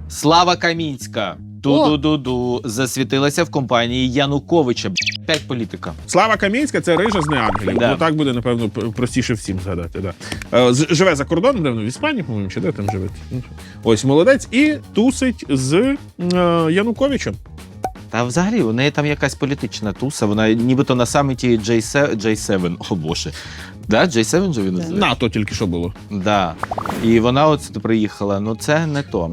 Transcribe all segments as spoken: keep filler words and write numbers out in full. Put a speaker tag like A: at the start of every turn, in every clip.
A: Слава Камінська. Ду-ду-ду-ду. Засвітилася в компанії Януковича. П'ять політика.
B: Слава Камінська – це рижа з неангелів.
A: Да.
B: Ну, так буде, напевно, простіше всім згадати. Да. Е, з- Живе за кордоном, напевно, в Іспанії, по-моєму, чи де там живе. Ось, молодець. І тусить з е, Януковичем.
A: Та взагалі, у неї там якась політична туса, вона нібито на саміті джей севен, о боже. Да, джей севен же він називає?
B: НАТО тільки що було.
A: Да. І вона от сюди приїхала, ну це не то.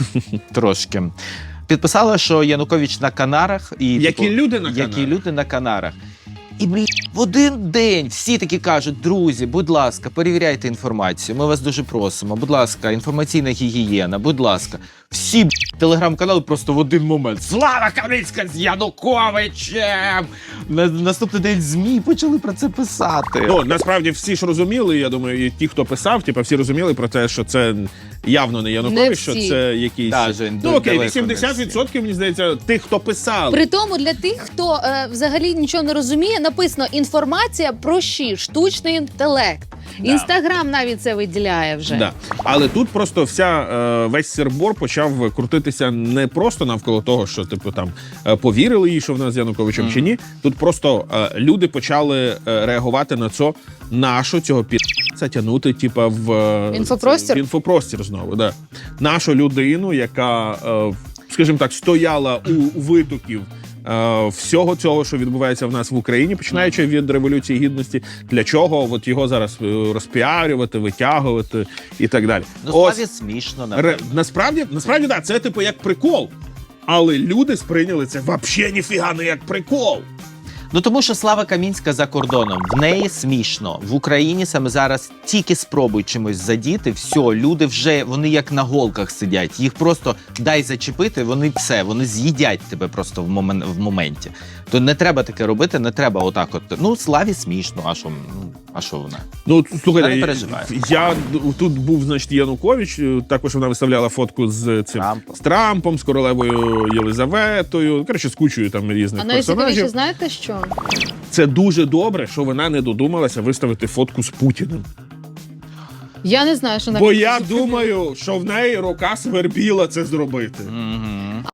A: Трошки. Підписала, що Янукович на Канарах. І,
B: Які
A: типу,
B: люди на
A: Які
B: Канарах.
A: люди на Канарах. І, блін, в один день всі такі кажуть: друзі, будь ласка, перевіряйте інформацію, ми вас дуже просимо, будь ласка, інформаційна гігієна, будь ласка. Всі б, телеграм-канали просто в один момент. Слава Камінська з Януковичем! На наступний день ЗМІ почали про це писати.
B: Ну, насправді, всі ж розуміли, я думаю, і ті, хто писав, типу, всі розуміли про те, що це явно не Янукович,
C: Не
B: що
C: всі.
B: це якийсь...
A: Да, Жень,
B: ну,
A: ду-
B: окей,
A: далеко не
B: вісімдесят відсотків, мені здається, тих, хто писали.
C: При тому для тих, хто е, взагалі нічого не розуміє, написано інформація про щі, штучний інтелект.
A: Да.
C: Інстаграм навіть це виділяє вже.
B: Да. Але тут просто вся е, весь сирбор почав крутитися не просто навколо того, що типу там е, повірили їй, що вона з Януковичем mm. чи ні. Тут просто е, люди почали е, реагувати на це, нашу цього пі***ца тягнути, типа в е,
C: Інфопростір?
B: в інфопростір знову. Да. Нашу людину, яка, е, скажімо так, стояла у витоків Uh, всього цього, що відбувається в нас в Україні, починаючи від Революції Гідності, для чого от його зараз розпіарювати, витягувати і так далі.
A: Ну,
B: Ось,
A: Славі смішно,
B: ре,
A: напевно.
B: насправді, насправді, да, це типу як прикол. Але люди сприйняли це вообще ніфіга не як прикол.
A: Ну тому що Слава Камінська за кордоном, в неї смішно. В Україні саме зараз тільки спробуй чимось задіти, все, люди вже, вони як на голках сидять. Їх просто дай зачепити, вони все, вони з'їдять тебе просто в, момен, в моменті. То не треба таке робити, не треба отак от. Ну, Славі смішно, а що, ну, а що вона?
B: Ну, слухайте,
A: Я не
B: я,
A: переживаю.
B: я тут був, значить, Янукович, також вона виставляла фотку з цим
A: Трампом.
B: з Трампом, з королевою Єлизаветою, коротше, з кучою там різних
C: А найцікавіше,
B: персонажів.
C: знаєте що?
B: Це дуже добре, що вона не додумалася виставити фотку з Путіним.
C: Я не знаю, що
B: Бо
C: навіть
B: я думаю, що в неї рука свербіла це зробити.
A: Угу.